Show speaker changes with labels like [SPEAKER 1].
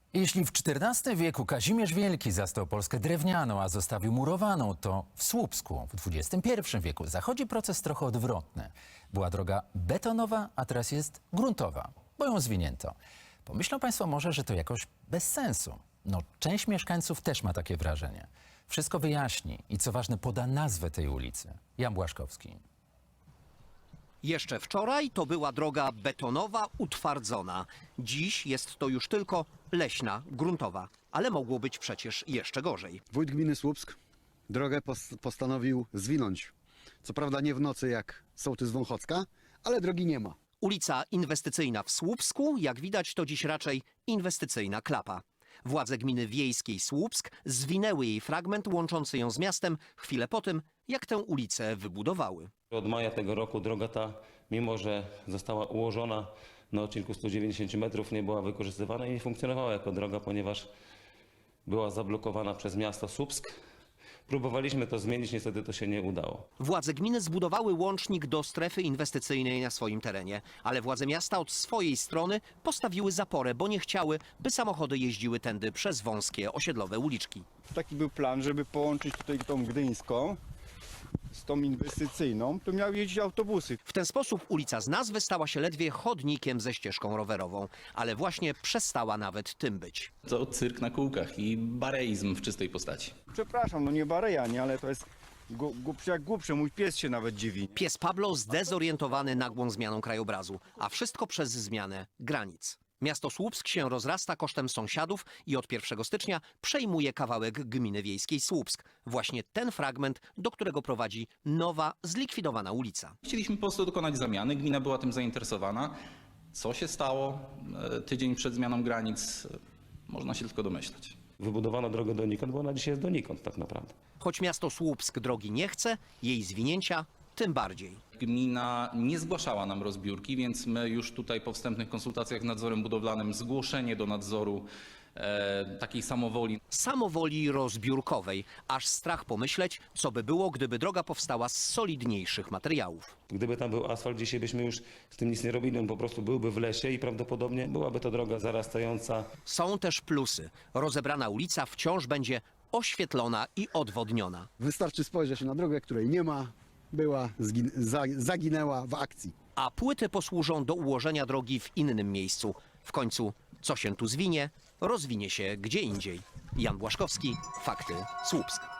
[SPEAKER 1] Jeśli w XIV wieku Kazimierz Wielki zastał Polskę drewnianą, a zostawił murowaną, to w Słupsku w XXI wieku zachodzi proces trochę odwrotny. Była droga betonowa, a teraz jest gruntowa, bo ją zwinięto. Pomyślą Państwo może, że to jakoś bez sensu. No, część mieszkańców też ma takie wrażenie. Wszystko wyjaśni i co ważne poda nazwę tej ulicy. Jan Błaszkowski.
[SPEAKER 2] Jeszcze wczoraj to była droga betonowa, utwardzona. Dziś jest to już tylko leśna, gruntowa. Ale mogło być przecież jeszcze gorzej.
[SPEAKER 3] Wójt gminy Słupsk drogę postanowił zwinąć. Co prawda nie w nocy jak sołtys Wąchocka, ale drogi nie ma.
[SPEAKER 2] Ulica inwestycyjna w Słupsku, jak widać, to dziś raczej inwestycyjna klapa. Władze gminy wiejskiej Słupsk zwinęły jej fragment łączący ją z miastem chwilę po tym, jak tę ulicę wybudowały.
[SPEAKER 4] Od maja tego roku droga ta, mimo że została ułożona na odcinku 190 metrów, nie była wykorzystywana i nie funkcjonowała jako droga, ponieważ była zablokowana przez miasto Słupsk. Próbowaliśmy to zmienić, niestety to się nie udało.
[SPEAKER 2] Władze gminy zbudowały łącznik do strefy inwestycyjnej na swoim terenie, ale władze miasta od swojej strony postawiły zaporę, bo nie chciały, by samochody jeździły tędy przez wąskie osiedlowe uliczki.
[SPEAKER 5] Taki był plan, żeby połączyć tutaj tą gdyńską z tą inwestycyjną, to miały jeździć autobusy.
[SPEAKER 2] W ten sposób ulica z nazwy stała się ledwie chodnikiem ze ścieżką rowerową, ale właśnie przestała nawet tym być.
[SPEAKER 6] To cyrk na kółkach i bareizm w czystej postaci.
[SPEAKER 5] Przepraszam, no nie bareja, nie, ale to jest głupsze jak głupsze, mój pies się nawet dziwi.
[SPEAKER 2] Pies Pablo zdezorientowany nagłą zmianą krajobrazu, a wszystko przez zmianę granic. Miasto Słupsk się rozrasta kosztem sąsiadów i od 1 stycznia przejmuje kawałek gminy wiejskiej Słupsk. Właśnie ten fragment, do którego prowadzi nowa, zlikwidowana ulica.
[SPEAKER 6] Chcieliśmy po prostu dokonać zamiany, gmina była tym zainteresowana. Co się stało tydzień przed zmianą granic, można się tylko domyślać.
[SPEAKER 4] Wybudowano drogę donikąd, bo ona dzisiaj jest donikąd tak naprawdę.
[SPEAKER 2] Choć miasto Słupsk drogi nie chce, jej zwinięcia tym bardziej.
[SPEAKER 6] Gmina nie zgłaszała nam rozbiórki, więc my już tutaj po wstępnych konsultacjach z nadzorem budowlanym zgłoszenie do nadzoru takiej samowoli.
[SPEAKER 2] Samowoli rozbiórkowej, aż strach pomyśleć, co by było, gdyby droga powstała z solidniejszych materiałów.
[SPEAKER 4] Gdyby tam był asfalt, dzisiaj byśmy już z tym nic nie robili, on po prostu byłby w lesie i prawdopodobnie byłaby to droga zarastająca.
[SPEAKER 2] Są też plusy. Rozebrana ulica wciąż będzie oświetlona i odwodniona.
[SPEAKER 3] Wystarczy spojrzeć na drogę, której nie ma, zaginęła w akcji.
[SPEAKER 2] A płyty posłużą do ułożenia drogi w innym miejscu. W końcu, co się tu zwinie, rozwinie się gdzie indziej. Jan Błaszkowski, Fakty, Słupsk.